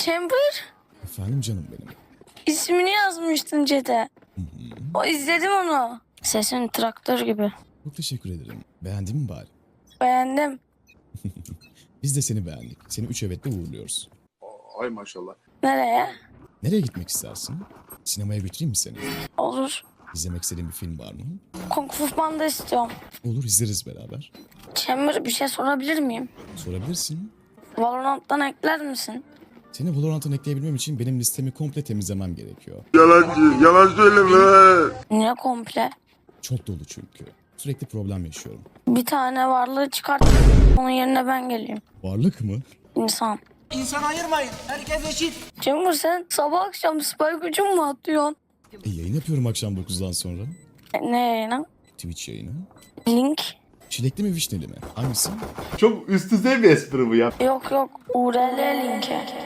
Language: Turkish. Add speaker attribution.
Speaker 1: Chamber,
Speaker 2: Efendim canım benim.
Speaker 1: ismini yazmıştın chat'e. O izledim onu. Sesin traktör gibi.
Speaker 2: Çok teşekkür ederim. Beğendin mi bari?
Speaker 1: Beğendim.
Speaker 2: Biz de seni beğendik. Seni 3 evetle uğurluyoruz.
Speaker 3: Ay maşallah.
Speaker 1: Nereye?
Speaker 2: Nereye gitmek istersin? Sinemaya götüreyim mi seni?
Speaker 1: Olur.
Speaker 2: İzlemek istediğin bir film var mı?
Speaker 1: Kung Fu Panda istiyorum.
Speaker 2: Olur, izleriz beraber.
Speaker 1: Chamber, bir şey sorabilir miyim?
Speaker 2: Sorabilirsin.
Speaker 1: Valorant'tan ekler misin?
Speaker 2: Seni Valorant'tan ekleyebilmem için benim listemi komple temizlemem gerekiyor.
Speaker 3: Yalancı, yalan söyleme.
Speaker 1: Niye komple?
Speaker 2: Çok dolu çünkü. Sürekli problem yaşıyorum.
Speaker 1: Bir tane varlığı çıkart. Onun yerine ben geleyim.
Speaker 2: Varlık mı?
Speaker 1: İnsan.
Speaker 4: İnsan ayırmayın. Herkes eşit.
Speaker 1: Chamber, sen sabah akşam spy gücün mü atıyorsun?
Speaker 2: Yayın yapıyorum akşam 9'dan sonra.
Speaker 1: Ne yayını?
Speaker 2: Twitch yayını.
Speaker 1: Link?
Speaker 2: Çilekli mi vişneli mi? Hangisi?
Speaker 3: Çok üst düzey bir espri bu ya.
Speaker 1: Yok yok. URL linki.